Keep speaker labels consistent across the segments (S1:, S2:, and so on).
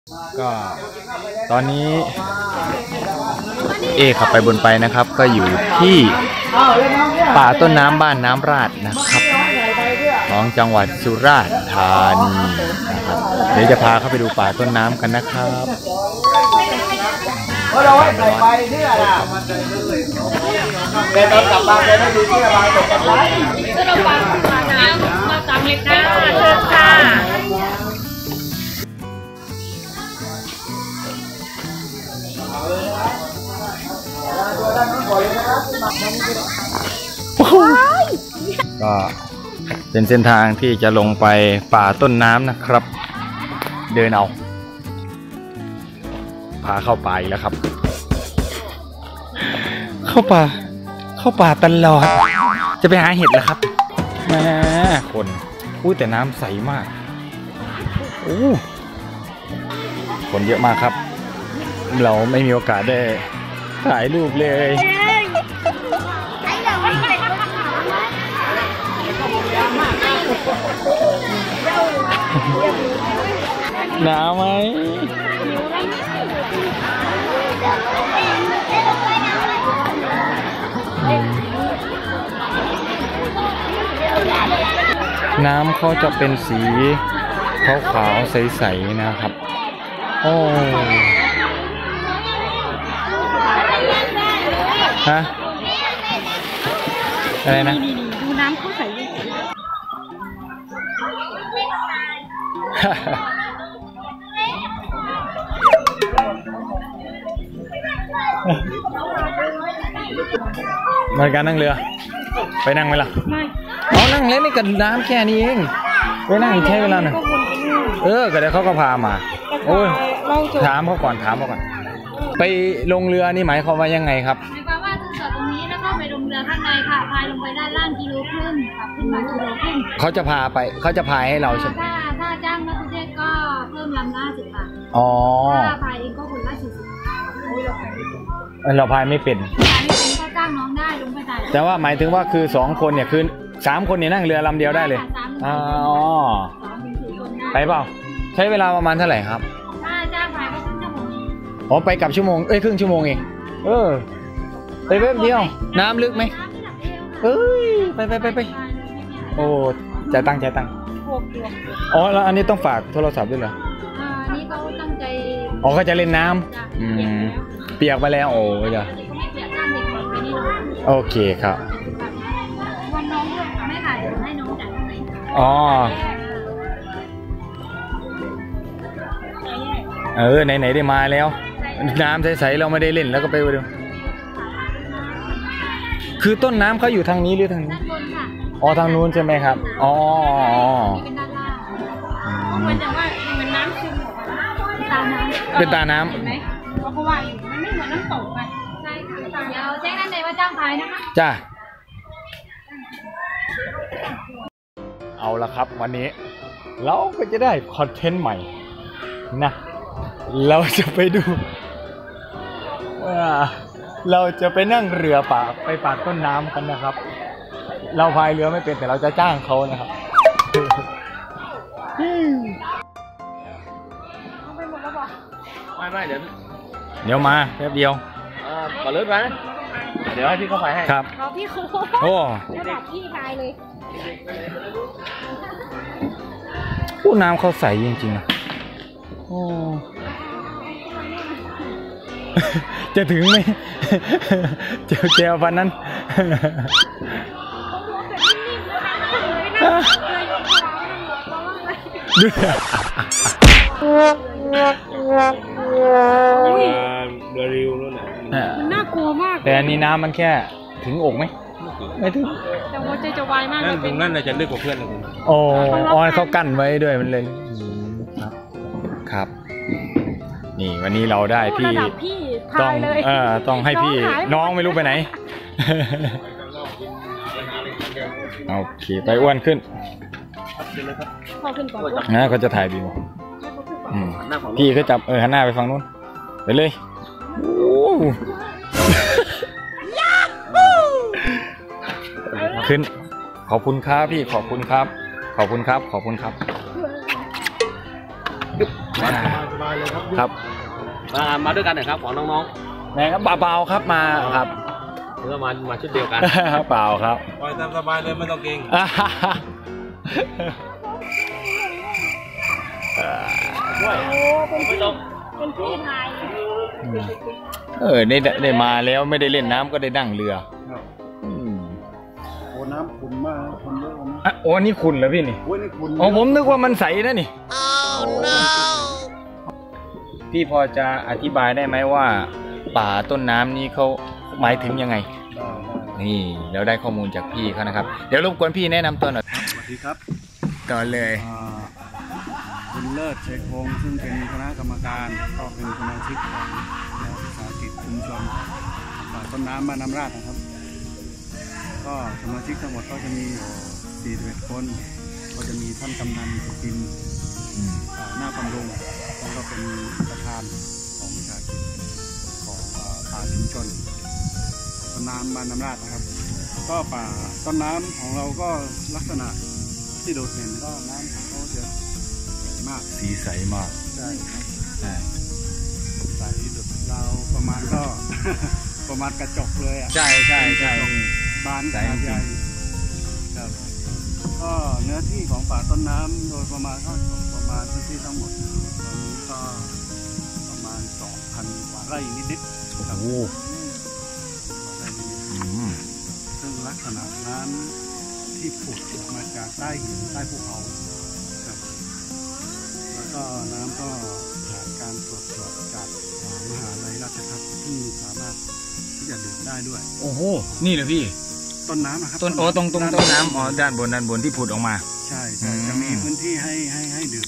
S1: ก็ตอนนี้ขับไปบนไปนะครับก็อยู่ที่ป่าต้นน้ำบ้านน้ำราดนะครับของจังหวัดสุราษฎร์ธานีนะครับเดี๋ยวจะพาเข้าไปดูป่าต้นน้ำกันนะครับ
S2: เราให้ใส่ไปเพื่ออะไรแต่ตอนกลับมาจะได้ดูที่ระบายตกกันไหมก็เราฟังมาน้ำมาตามเล็กนะเชิญค่ะ
S1: ก็เป็นเส้นทางที่จะลงไปป่าต้นน้ำนะครับเดินเอาพาเข้าป่าอีกแล้วครับเข้าป่าตลอดจะไปหาเห็ดเหรอครับแหมคนแต่น้ำใสมากคนเยอะมากครับเราไม่มีโอกาสได้ถ่ายรูปเลยหนาวไหมน้ำเขาจะเป็นสีขาวๆใสๆนะครับโอ้ฮะอะไรนะ
S3: ดูน้ำเขาใส
S1: มาการนั่งเรือไปนั่งไหมล่ะไม่นั่งเล่นนี่กับน้ำแค่นี้เองไปนั่งใช้เวลาหน่อยก็เดี๋ยวเขาก็พามาโอ้ยถามเขาก่อนไปลงเรือนี่หมายความว่ายังไงครับ
S3: หมายความว่าคือจอดตรงนี้แล้วก็ไปลงเรือข้างในค่ะพายลงไปด้านล่างกิโลครึ่งค่ะขึ้นมากิโลครึ่ง
S1: เขาจะพายให้เราใช่ไหม
S3: ถ้าจ้างนักท่องเที่ยวก็เพิ่มลำละ10 บาทถ้าพายเองก็คนละ40
S1: เราพายไม่เป็น
S3: ก็จ้างน้องได้ลงไปได้
S1: แต่ว่าหมายถึงว่าคือ2 คนเนี่ยคือ3 คนเนี่ยนั่งเรือลำเดียวได้เลยไปเปล่าใช้เวลาประมาณเท่าไหร่ครับ
S3: ถ้าจ้างพายก็ครึ่งชั่วโมง
S1: ไปกับชั่วโมงครึ่งชั่วโมงเองไปแป๊บเดียวน้ำลึกไหมไปโอ้จ่ายตังค์แล้วอันนี้ต้องฝากโทรศัพท์ด้วยเหรอ
S3: นี่เขาตั้งใจ
S1: เขาจะเล่นน้ำเปียกไปแล้วเดี๋ยวโอเคครับ
S3: วันน้องไม่ถ่ายให้น้องจ่ายเท่าไห
S1: ร่ไหนได้มาแล้วน้ำใสๆเราไม่ได้เล่นแล้วก็ไปดูคือต้นน้ำเขาอยู่ทางนี้หรือทางนี้
S3: ด้านบนค่ะ
S1: ทางนู้นใช่ไหมครับ
S3: เป็นด้านล่างมันจะว่าเหมือนน้ำซึม
S1: เป็นตาน้
S3: ำเห็นไหมเพราะว่ามันไม่เหมือนน้ำตกไงใช่ค่ะเดี๋ยวแจ้งด้านในว่าจ้างพายนะคะ
S1: จ้าเอาละครับวันนี้เราก็จะได้คอนเทนต์ใหม่นะเราจะไปดูเราจะไปนั่งเรือไปป่าต้นน้ำกันนะครับเราพายเรือไม่เป็นแต่เราจะจ้างเขานะครับไม่เดี๋ยวมาแป๊บเดียว
S2: ก่อนเลิกไหมเดี๋ยวให้พี่เขาพายให้
S1: ครับ
S3: พี่ครูจะบอกพี่พายเลย
S1: น้ำเขาใสจริงๆนะจะถึงไหมเจลพันนั้น
S2: ริวนู่น
S3: น่ากลัวมาก
S1: แต่อันนี้น้ำมันแค่ถึงอกไหมไม่ถึง
S3: แต่หัวใจจะวายมาก
S2: ตรงนั้นจะลึกกว่าเพื่อนเลย
S1: เขากั้นไว้ด้วยมันเลยครับนี่วันนี้เราได้พี่ต้องให้พี่น้องไม่รู้ไปไหนโอเคไปอ้วนขึ้นนะเขาจะถ่ายวิวพี่เขาจับหันหน้าไปฝั่งนู้นไปเลยขึ้นขอบคุณครับพี่ขอบคุณครับครับ
S2: มาด้วยกันหน่อยครับของน้อง
S1: ไหนครับเปล่าครับมาครับ
S2: ๆเพื่อมาชุดเดียวกัน
S1: เปล่าครับ
S2: ปล่อยตามสบายเลยไม่ต้องเกรง ไม่ต้อง
S3: เป็นพี่พาย
S1: ได้มาแล้วไม่ได้เล่นน้ำก็ได้นั่งเรือม
S4: โอ้น้ำขุ่นมากขุ่นเยอะนะ
S1: อ่ะโอ้นี่คุณเหรอพี่นี่
S4: โอ้ยนี่ขุ่น
S1: อ๋อผมนึกว่ามันใสนะนี่พี่พอจะอธิบายได้ไหมว่า ป่าต้นน้ำนี้เขาหมายถึงยังไง นี่เราได้ข้อมูลจากพี่เขานะครับเดี๋ยวรบกวนพี่แนะนำตัวหน่อย
S4: สวัสดีครับ
S1: ก่อนเลย
S4: คุณเลิศเชยคงซึ่งเป็นคณะกรรมการก็เป็นสมาชิกของวิสาหกิจชุมชนป่าต้นน้ำบ้านน้ำราดนะครับ ก็สมาชิกทั้งหมดก็จะมี41คนก็จะมีท่านกำนันสุจินต์หน้าบำรุงแล้วก็เป็นประธานของวิสาหกิจของป่าชุมชนต้นน้ำบ้านน้ำราดนะครับ ก็ป่าต้นน้ำของเราก็ลักษณะที่โดดเด่นก็น้ำของเขาจะใสมาก
S1: สีใสมาก
S4: ใช่ครับใสดุดเราประมาณก็ ประมาณกระจกเลยอ่ะ
S1: ใช่ใช่ใช่
S4: บาน
S1: ใส
S4: ขนาด
S1: จริง
S4: ใหญ่ครับก็เนื้อที่ของป่าต้นน้ำโดยประมาณก็ประมาณพื้นที่ทั้งหมดตอนนี้ก็ประมาณ 2,000 กว่าไร่นิดๆครับ
S1: โอ้
S4: ไร่นิด
S1: อืม
S4: ๆซึ่งลักษณะน้ำที่ผุดออกมาจากใต้หินใต้ภูเขาครับแล้วก็น้ำก็ผ่านการตรวจสอบจากมหาลัยราชภัฏที่สามารถที่จะดื่มได้ด้วย
S1: โอ้โหนี่เลยพี่
S4: ต้นน้ำนะครับ
S1: ต้นโอ้ตรงต้นน้ำอ๋อด้านบนที่ผุดออกมา
S4: ใช่ใช่จะมีพื้นที่ให้ดื่ม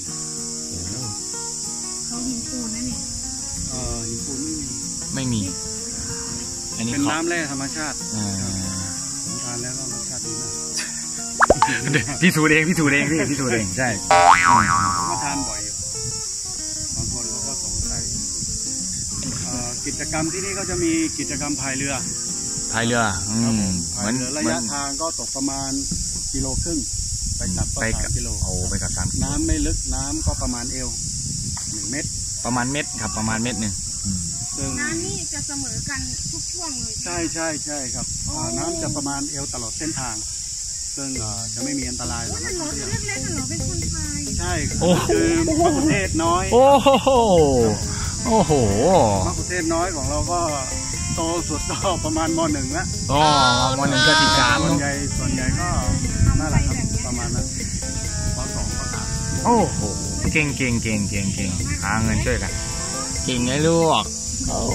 S3: เขาหินปูนนั่นนี่
S4: หินปูนไม่มี
S1: ไม่มี อันนี้
S4: เป็น
S1: เขา
S4: น้ำแร่ธรรมชาติ
S1: อ่า
S4: ผมทานแล้วก็รสชาติดีมาก
S1: พี่สูดเองพี่สูดเองพี่พี่สูดเองใช่
S4: ผมก็ทานบ่อยอยู่บางคนเขาก็สงสัยกิจกรรมที่นี่ก็จะมีกิจกรรมพายเรือ
S1: พายเรือ
S4: ครับผม
S1: เห
S4: พา
S1: มื
S4: ย
S1: อน
S4: เรือระยะทางก็ตกประมาณ1.5 กิโลไปกลับก็
S1: ไปกับ
S4: 3 กิโล
S1: โอ้ไปกับ3 กิโล
S4: น้ำไม่ลึกน้ำก็ประมาณเอว1 เมตร
S1: ประมาณเม็ดครับประมาณเม็ดหนึ่ง
S4: ซึ่ง
S3: น้ำนี่จะเสมอกันทุกช่วงเลย
S4: ใช่ครับน้ำจะประมาณเอวตลอดเส้นทาง ซึ่งจะไม่มีอันตรายสำหรับ
S3: มัน
S4: นัก
S3: รถ
S4: ท่องเที่ยว
S3: เล็กๆเหรอเป็นคนไทย
S4: ใช่คือมะขุเทศน้อย
S1: โอ้โหโอ้โห
S4: มะขุเทศน้อยของเราก็โตสุดก็ประมาณม.1 แล้ว
S1: อ๋อวันหนึ่งก็13
S4: ส่วน
S1: เนอะ
S4: ใหญ่ก็น่ารักครับประมาณนั้นป.2 ป.3
S1: โอ้โหเก่งหาเงินช่วยกันเก่งไงลูกโอ้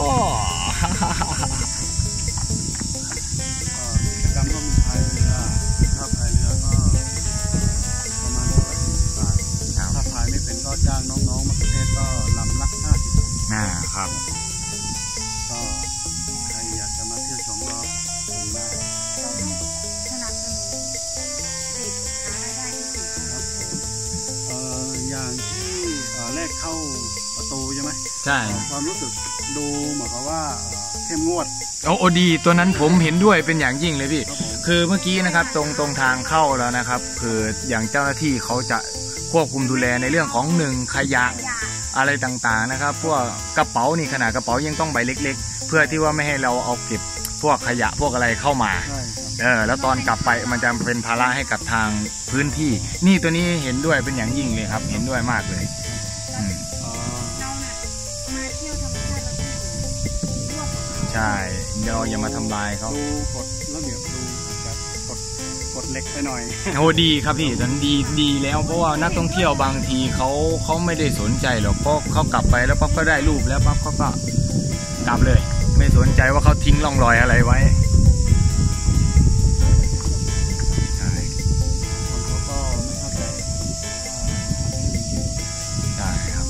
S4: กิจกรรมก็มีพายเรือถ้าพายเรือก็ประมาณ140 บาทถ้าพายไม่เป็นก็จ้างน้องๆมะขุเทศก็ลำละ50 บาท
S1: ครับ
S4: ก็ใครอยากจะมาเที่ยวชมก็ชมได้
S3: เราต้องสนับสนุนเด็กหารายได้ที่ดี
S4: ครับอย่างที่แรกเข้าประตูใช่ไหม
S1: ใช่
S4: ความรู้สึกดูเหมือนกับว่าเข้มงวด
S1: โอ้ดีตัวนั้นผมเห็นด้วยเป็นอย่างยิ่งเลยพี่
S4: ครับผม
S1: คือเมื่อกี้นะครับตรงทางเข้าแล้วนะครับ คืออย่างเจ้าหน้าที่เขาจะควบคุมดูแลในเรื่องของขยะ
S3: อย่า
S1: อะไรต่างๆนะครับพวกกระเป๋านี่ขนาดกระเป๋ายังต้องใบเล็กๆ เพื่อที่ว่าไม่ให้เราเอาเก็บพวกขยะพวกอะไรเข้ามา
S4: ใช่ครับ
S1: แล้วตอนกลับไปมันจะเป็นภาระให้กับทางพื้นที่ นี่ตัวนี้เห็นด้วยเป็นอย่างยิ่งเลยครับ เห็นด้วยมากเลยอืม
S3: เราเนี่ยมาเที่ยวธรรมชาติเราต้องอยู่ร่วมกับเขา
S1: ใช่เราอย่ามาทำลายเขา
S4: ดูกฎระเบียบดูอาจจะกดเหล็กไปหน่อย
S1: โอ้ดีครับพี่ตอนนดีแล้วเพราะว่านักท่องเที่ยวบางทีเขาไม่ได้สนใจหรอกเพราะเขากลับไปแล้วปั๊บก็ได้รูปแล้วปั๊บเขาก็กลับเลย ไม่สนใจว่าเขาทิ้งร่องรอยอะไรไว้ใช่
S4: คนเขาก็ไม่เข้าใจ
S1: ใช่ครับ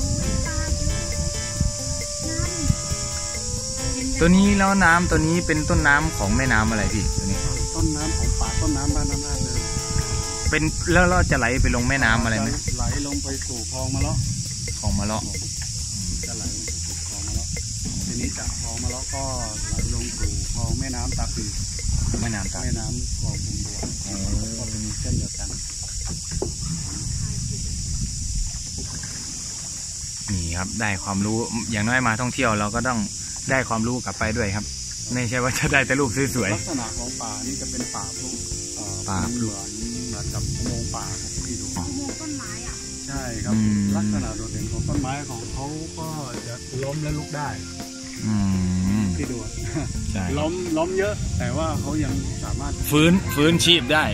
S3: น้ำ
S1: ตัวนี้แล้วน้ำตัวนี้เป็นต้นน้ำของแม่น้ำอะไรพี่ตัวนี้
S4: ต้นน้ำของป่าต้นน้ำบ้านน้ำราดเลย
S1: เป็นแล้วเราจะไหลไปลงแม่น้ำอะไรไหม
S4: ไหลลงไปสู่คลองมะเลาะ
S1: ของมะเลาะ
S4: จะไหลลงไปสู่คลองมะเลาะทีนี้จากคลองมะเลาะก็ไหลลงสู่คลองแม่น้ำตาปี
S1: แม่น้ำตา
S4: แม่น้ำคลองบุงบัวก็เป็นเส้นเดียวกัน
S1: นี่ครับได้ความรู้อย่างน้อยมาท่องเที่ยวเราก็ต้องได้ความรู้กลับไปด้วยครับไม่ใช่ว่าจะได้แต่รูปสวย
S4: ลักษณะของป่านี่จะเป็นป่าพลุ
S1: ป่าพลุ
S4: เหมือนกับอุโมงค์ป่าครับที่ดู
S3: อุโมงค์ต้นไม้อ่ะ
S4: ใช่ครับลักษณะโดดเด่นของต้นไม้ของเขาก็จะล้มและลุกได้
S1: ๆ
S4: ที่ดู
S1: ใช่
S4: ล้มเยอะ แต่ว่าเขายังสามารถ
S1: ฟื้นชีพได้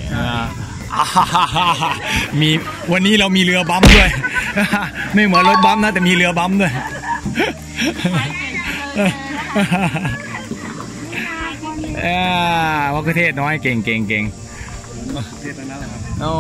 S1: มีวันนี้เรามีเรือบัมด้วย ไม่เหมือนรถบัมนะแต่มีเรือบัมด้วยวัคเทศน้อยเก่ง
S4: เทศนั้นแหละครับ
S1: โอ้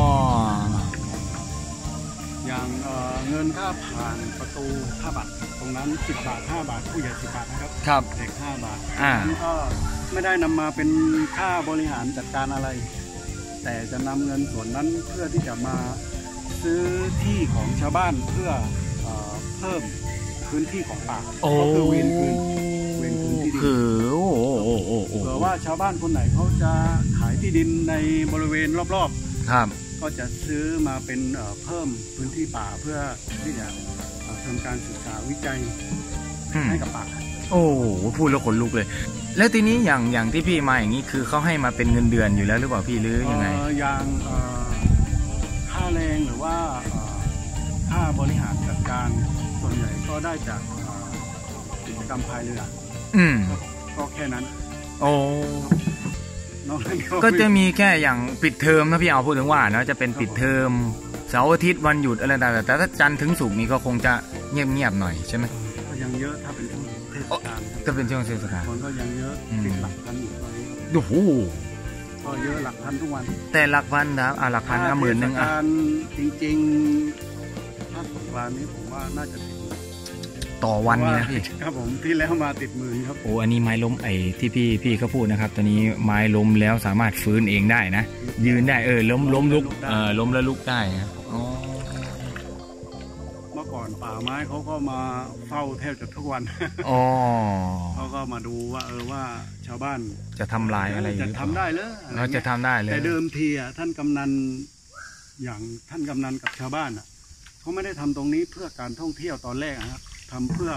S4: อย่างเงินค่าผ่านประตู5 บาทตรงนั้น10 บาท5 บาทผู้ใหญ่10 บาทนะครับ
S1: ครับ
S4: เด็ก5 บาท
S1: อ่า
S4: นั้นก็ไม่ได้นำมาเป็นค่าบริหารจัดการอะไร แต่จะนำเงินส่วนนั้นเพื่อที่จะมาซื้อที่ของชาวบ้านเพื่อเพิ่มพื้นที่ของป่าก็คือเวรคืนที่ดิน
S1: คือโอ้
S4: เผื่อว่าชาวบ้านคนไหนเขาจะขายที่ดินในบริเวณรอบ
S1: ครับ
S4: ๆก็จะซื้อมาเป็นเพิ่มพื้นที่ป่าเพื่อที่จะทำการศึกษาวิจัยให้กับป่า
S1: โอ้พูดแล้วขนลุกเลย แล้วทีนี้อย่างที่พี่มาอย่างนี้คือเขาให้มาเป็นเงินเดือนอยู่แล้วหรือเปล่าพี่หรือยังไง
S4: อย่างค่าแรงหรือว่าค่าบริหารจัดการส่วนใหญ่ก็ได้จากกิจกรรมพายเรือ ก็แค่นั้น
S1: โอ้
S4: นอกนั้น
S1: ก็จะมีแค่อย่างปิดเทอมนะพี่เอาพูดถึงว่าเนาะจะเป็นปิดเทอมเสาร์อาทิตย์วันหยุดอะไรต่างๆแต่ถ้าจันทร์ถึงศุกร์นี่ก็คงจะเงียบๆหน่อยใช่ไหม
S4: ก็ยังเยอะถ้าเป็นช่วงเทศกาล
S1: ก็เป็นช่วงเทศกาล
S4: คนก็ยังเยอะติดหลักพันอยู่ตอนนี้
S1: โอ้โห
S4: ก็เยอะหลักพันทุกวัน
S1: แต่หลักพันครับหลักพันก็หมื่นหนึ่ง
S4: เทศกาลจริงๆถ้าสงกรานต์นี้ผมว่าน่าจะติดหมื่น
S1: ต่อวันนี่นะพี่
S4: ครับผมที่แล้วมาติดหมื่นครับ
S1: โอ้อันนี้ไม้ล้มไอ้ที่พี่เขาพูดนะครับตอนนี้ไม้ล้มแล้วสามารถฟื้นเองได้นะยืนได้ล้มลุกล้มแล้วลุกได้นะอ๋อ
S4: เมื่อก่อนป่าไม้เขาก็มาเฝ้าแทบจะทุกวัน
S1: อ๋อ
S4: เขาก็มาดูว่าชาวบ้าน
S1: จะทำลายอะไรอยู่
S4: จะทำได้เหรอ
S1: เราจะทำได้เลย
S4: แต่เดิมทีท่านกำนันอย่างท่านกำนันกับชาวบ้านเขาไม่ได้ทำตรงนี้เพื่อการท่องเที่ยวตอนแรกนะครับทำเพื่อ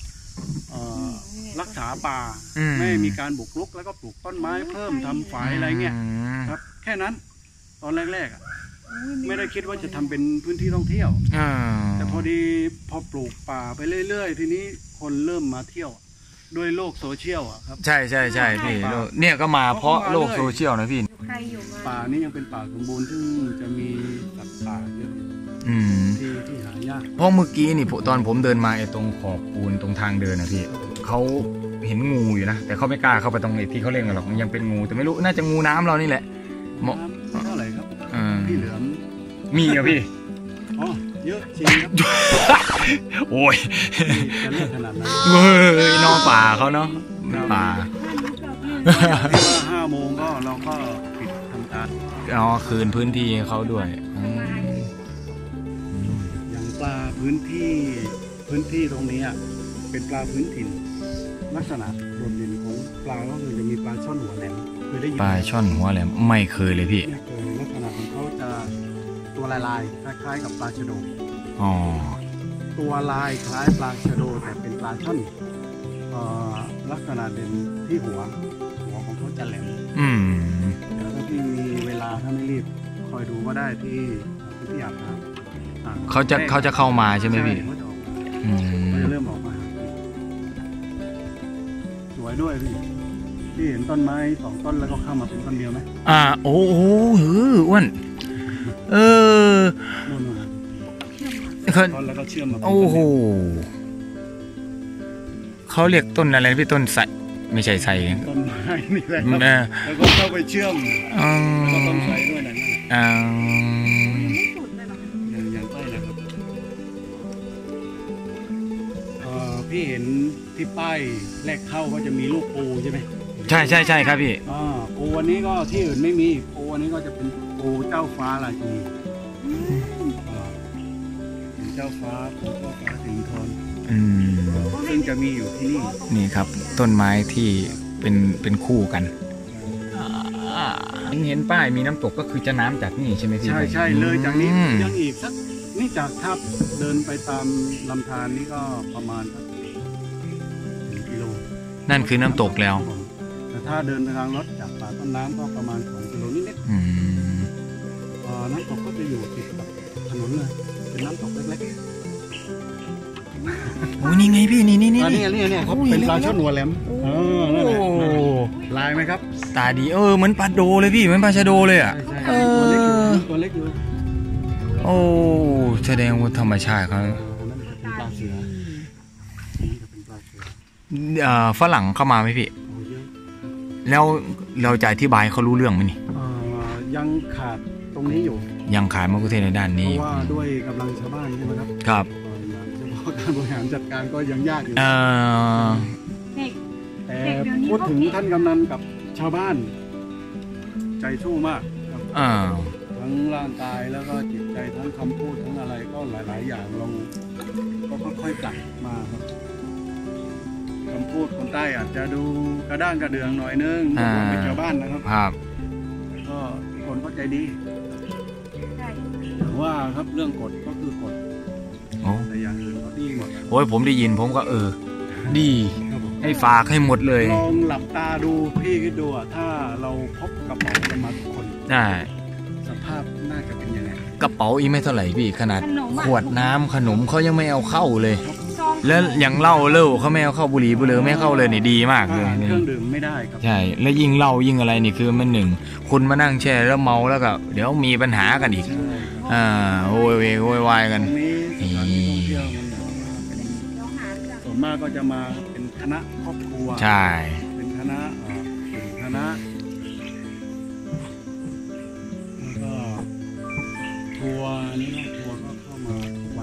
S4: รักษาป่าไม่มีการบุกรุกแล้วก็ปลูกต้นไม้เพิ่มทำฝายอะไรเงี้ยครับแค่นั้นตอนแรกๆไม่ได้คิดว่าจะทำเป็นพื้นที่ท่องเที่ยวแต่พอดีพอปลูกป่าไปเรื่อยๆทีนี้คนเริ่มมาเที่ยวด้วยโลกโซเชียลครับ
S1: ใช่พี่เนี่ยก็มาเพราะโลกโซเชียลนะพี่
S4: ป่านี้ยังเป็นป่าสมบูรณ์ซึ่งจะมีสัตว์ป่าเยอะที่หายาก
S1: เพราะเมื่อกี้นี่ตอนผมเดินมาไอ้ตรงขอบปูนตรงทางเดินนะพี่เขาเห็นงูอยู่นะแต่เขาไม่กล้าเข้าไปตรงไอ้ที่เขาเล่นกันหรอกมันยังเป็นงูแต่ไม่รู้น่าจะงูน้ำเรานี่แหละ
S4: เท่าไหร่ครับพี่เหลือม
S1: มีอะพี่
S4: อ๋อเยอะจริงครับ
S1: โอ้ย
S4: จะเลือกขนาดนั้น
S1: นอกป่าเขาเนาะป่า
S4: 5 โมงก็เราก็ปิดทำการ
S1: คืนพื้นที่เขาด้วย
S4: อย่างปลาพื้นที่ตรงนี้เป็นปลาพื้นถิ่นลักษณะโดดเด่นของปลาก็คือจะมีปลาช่อนหัวแหลมเคยได้ยิน
S1: ปลาช่อนหัวแหลมไม่เคยเลยพี่
S4: ลักษณะของเขาจะตัวลายคล้ายๆกับปลาชะโดตัวลายคล้ายปลาชะโดแต่เป็นปลาช่อนลักษณะเด่นที่หัวของเขาจะแหลมเดี๋ยวถ้าพี่มีเวลาถ้าไม่รีบคอยดูก็ได้ที่อาบน้ำ
S1: เขาจะเข้ามาใช่ไหมพี่
S4: เขาจะเริ่มออกมาสวยด้วยพี่เห็นต้นไม้2 ต้นแล้วก็เข้ามาเป็นต้นเดียวไหม
S1: โอ้โหอ้วน
S4: ต้นแล้วก็เชื่อมมา
S1: โอ้โหเขาเรียกต้นอะไรพี่ต้นไทรไม่ใช่ไทร
S4: ต้นไม้นี่แหละครับแล้วก็เข้าไปเชื่อมก็ต้นไทรด้วยนะอย่างใต้นะครับพี่เห็นที่ป้ายแรกเข้าก็จะมีลูกปูใช่ไหม
S1: ใช่ครับพี่
S4: ปูวันนี้ก็ที่อื่นไม่มีปูวันนี้ก็จะเป็นปูเจ้าฟ้าราชินีเจ้าฟ้าปูเจ้าฟ้าสิงห์ทองซึ่งจะมีอยู่ที่
S1: นี่ครับต้นไม้ที่เป็นคู่กันเห็นป้ายมีน้ำตกก็คือจะน้ำจากนี่ใช่ไหมพี่
S4: ใช่เลยจากนี้ยังอีกสักนี่จากถ้าเดินไปตามลำธารนี่ก็ประมาณสัก1 กิโล
S1: นั่นคือน้ำตกแล้ว
S4: แต่ถ้าเดินทางรถจากป่าต้นน้ำก็ประมาณ2 กิโลนิดๆน้ำตกก็จะอยู่ติดกับถนนเลยเป็นน้ำตกเล็กๆ
S1: โอ้ยนี่ไงพี่นี่
S4: นี่เขาเป็นปลาช่อนหัวแหลมนั่นแหละลายไหมครับ
S1: ตาดีเหมือนปลาโดเลยพี่เหมือนปลาชะโดเลยอ่ะ
S4: ตัวเล็กอยู่
S1: โอ้แสดงว่าธรรมชาติเขา
S4: ปลาเสือ
S1: ฝรั่งเข้ามาไหมพี่แล้วเราจะอธิบายเขารู้เรื่องไหมนี่
S4: ยังขาดตรงนี้อยู่
S1: ยังขาดมะกุเทศในด้านนี้
S4: เพราะว่าด้วยกำลังชาวบ้านใช่ไหมครับ
S1: ครับ
S4: การบริหารจัดการก็ยังยากอยู่แต่พูดถึงท่านกำนันกับชาวบ้านใจสู้มากครับทั้งร่างกายแล้วก็จิตใจทั้งคำพูดทั้งอะไรก็หลายๆอย่างเราก็ค่อยๆปรับมาครับคำพูดคนใต้อาจจะดูกระด้างกระเดืองหน่อยนึงเป็นชาวบ้านนะครับก็คนก็ใจดีแต่ว่าครับเรื่องกฎก็คือกฎแต่อย่างอื่นก็ดีหมด
S1: โอ้ยผมได้ยินผมก็ดีให้ฝากให้หมดเลย
S4: ลองหลับตาดูพี่คิดดูถ้าเราพบกระเป๋ากันมาทุกคนสภาพน่าจะเป็นยังไง
S1: กระเป๋าอีไม่เท่าไหร่พี่ขนาดขวดน้ำขนมเขายังไม่เอาเข้าเลยแล้วอย่างเหล้าเขาไม่เอาเข้าบุหรี่บุหรี่ไม่เข้าเลยนี่ดีมากเลย
S4: เครื่องดื่มไม่ได้ครับ
S1: ใช่แล้วยิ่งเหล้ายิ่งอะไรนี่คือมันหนึ่งคุณมานั่งแช่แล้วเมาแล้วก็เดี๋ยวมีปัญหากันอีกโวยวายกัน
S4: ส่วนมากก็จะมาเป็นคณะครอบครัว
S1: ใช่
S4: เป็นคณะแล้วก็ทัวร์นี่นะทัวร์ก็เข้ามาทุกวัน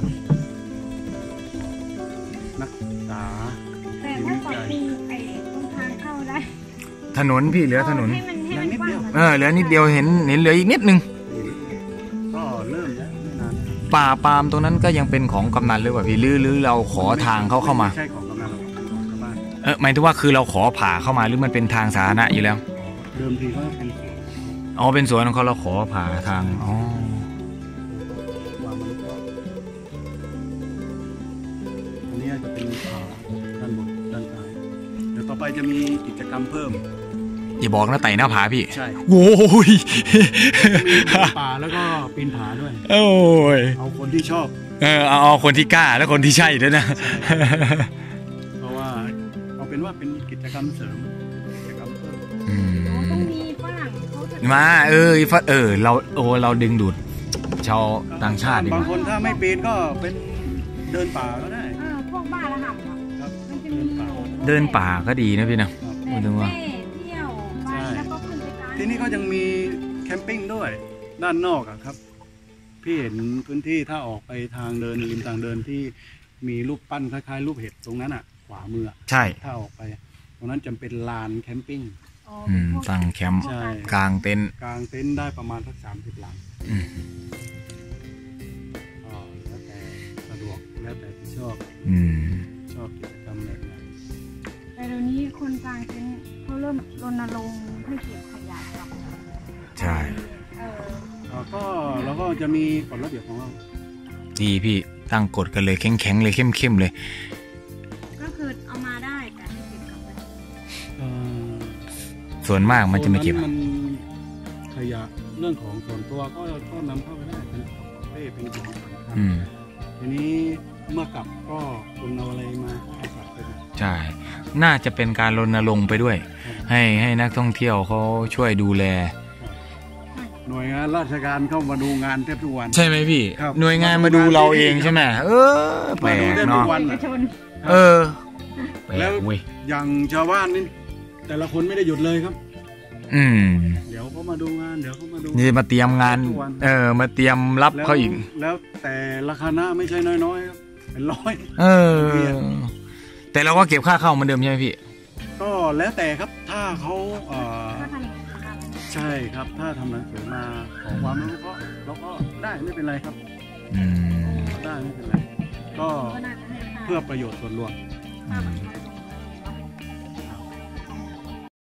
S4: นักศึกษา
S3: แต่ถ้าปรับปรุงตรงทางเข้าได้
S1: ถนนพี่เหลือถนน
S3: เหลือนิดเดียว
S1: เหลือนิดเดียวเห็นเหลืออีกนิดนึง
S4: ก็เริ่มแล้วไม่นาน
S1: ป่าปาล์มตรงนั้นก็ยังเป็นของกำนันหรือเปล่าพี่หรือเราขอทางเข้ามา
S4: ใช่ของกำนันของชาวบ้าน
S1: หมายถึงว่าคือเราขอผ่าเข้ามาหรือมันเป็นทางสาธารณะอยู่แล้ว
S4: เดิมทีก็เป็นสวน
S1: เป็นสวนของเขาเราขอผ่าทาง
S4: อันนี้จะเป็นด้านบนด้านซ้ายเดี๋ยวต่อไปจะมีกิจกรรมเพิ่ม
S1: อย่าบอกนะไต่หน้าผาพี่
S4: ใช่
S1: โอ้ย
S4: มีป่าแล้วก็ปีนผาด้วย
S1: โอ้ย
S4: เอาคนที่ชอบ
S1: เอาคนที่กล้าและคนที่ใช่ด้วยนะ
S4: เพราะว่าเอาเป็นว่าเป็นกิจกรรมเสริมกิจกรรมเพิ่ม
S3: ต้องมีฝรั่งเขาจะ
S1: มาเราดึงดูดชาวต่างชาติ
S4: บางคนถ้าไม่ปีนก็เป็นเดินป่าก็ได้
S3: พวกบ้าระหับ
S4: ครับ
S3: มันจะมี
S1: เดินป่าก็ดีนะพี่นะพูดถึงว่า
S4: ที่นี่เขายังมีแคมปิ้งด้วยด้านนอกครับพี่เห็นพื้นที่ถ้าออกไปทางเดินริมทางเดินที่มีรูปปั้นคล้ายๆรูปเห็ดตรงนั้นขวามือ
S1: ใช่
S4: ถ้าออกไปตรงนั้นจะเป็นลานแคมปิ้ง
S1: ตั้งแคมป์กลางเต็นท์
S4: ได้ประมาณสัก30 หลังแล้วแต่สะดวกแล้วแต่ที่ชอบกิจกรรมแบบไหน
S3: แต่เดี๋ยวนี้คนกลางเต็นท์เขาเริ่มรณรงค์ให้เก็บขยะครับ
S1: ใช่
S4: แล้วก็จะมีกฎระเบียบของเรา
S1: ดีพี่ตั้งกฎกันเลยแข็งเลยเข้มเลย
S3: ก็คือเอามาได้แต่ให้เก็บกลับไป
S1: ส่วนมากมันจะไม่เก็บ
S4: ขยะเรื่องของส่วนตัวก็นำเข้าไปได้เป็นของเป้เป็นของสำคัญทีนี้เมื่อกลับก็คุณเอาอะไรมาเอากลับไป
S1: ใช่น่าจะเป็นการรณรงค์ไปด้วยให้นักท่องเที่ยวเขาช่วยดูแล
S4: หน่วยงานราชการเข้ามาดูงานแทบทุกวัน
S1: ใช่ไหมพี่หน่วยงานมาดูเราเองใช่ไหมแปลกเนาะ
S4: แล้วอย่างชาวบ้านนี่แต่ละคนไม่ได้หยุดเลยครับเดี๋ยวเขามาดูงานเดี๋ยวเขามาดู
S1: นี่มาเตรียมงานมาเตรียมรับเขาอีก
S4: แล้วแต่ละคณะไม่ใช่น้อยๆครับเป็นร้อย
S1: แต่เราก็เก็บค่าเข้าเหมือนเดิมใช่ไหมพี่
S4: ก็แล้วแต่ครับถ้าเขาใช่ครับถ้าทำหนังสือมาขอความรู้เราก็ได้ไม่เป็นไรครับได้ไม่เป็นไรก็เพื่อประโยชน์ส่วนรวม